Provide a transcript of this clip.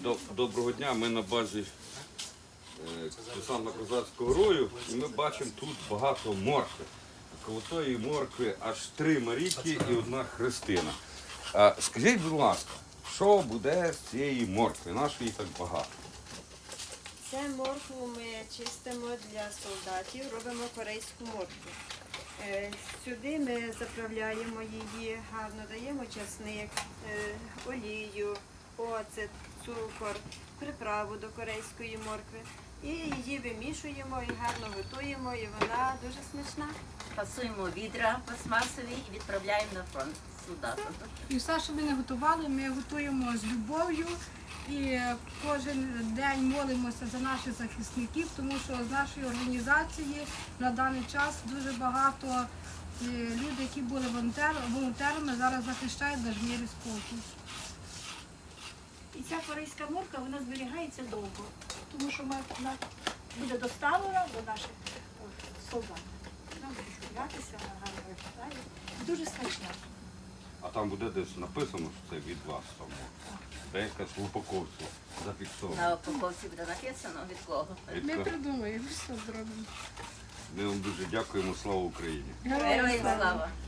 Доброго дня, ми на базі Десантно-Козацького рою і ми бачимо тут багато моркви. Коло тої моркви аж 3 Марійки і 1 Христина. Скажіть, будь ласка, що буде з цієї моркви? Нашої так багато? Це моркву ми чистимо для солдатів, робимо корейську моркву. Сюди ми заправляємо її, гарно даємо часник, олію, оцет, цукор, приправу до корейської моркви. І її вимішуємо і гарно готуємо, і вона дуже смачна. Пасуємо відра пластмасові і відправляємо на фронт солдатам. І все, що ми не готували, ми готуємо з любов'ю і кожен день молимося за наших захисників, тому що з нашої організації на даний час дуже багато людей, які були волонтерами, зараз захищають наш мир і спокій. І ця корейська морква, вона зберігається довго, тому що вона буде доставлена до наших солдатів. Вона буде чулятися, вона гарно виглядає. Дуже смачна. А там буде десь написано, що це від вас само. Де якась в упаковці зафіксована. На упаковці буде написано від кого. Ми придумаємо, все зробимо. Ми вам дуже дякуємо, слава Україні! Героям слава!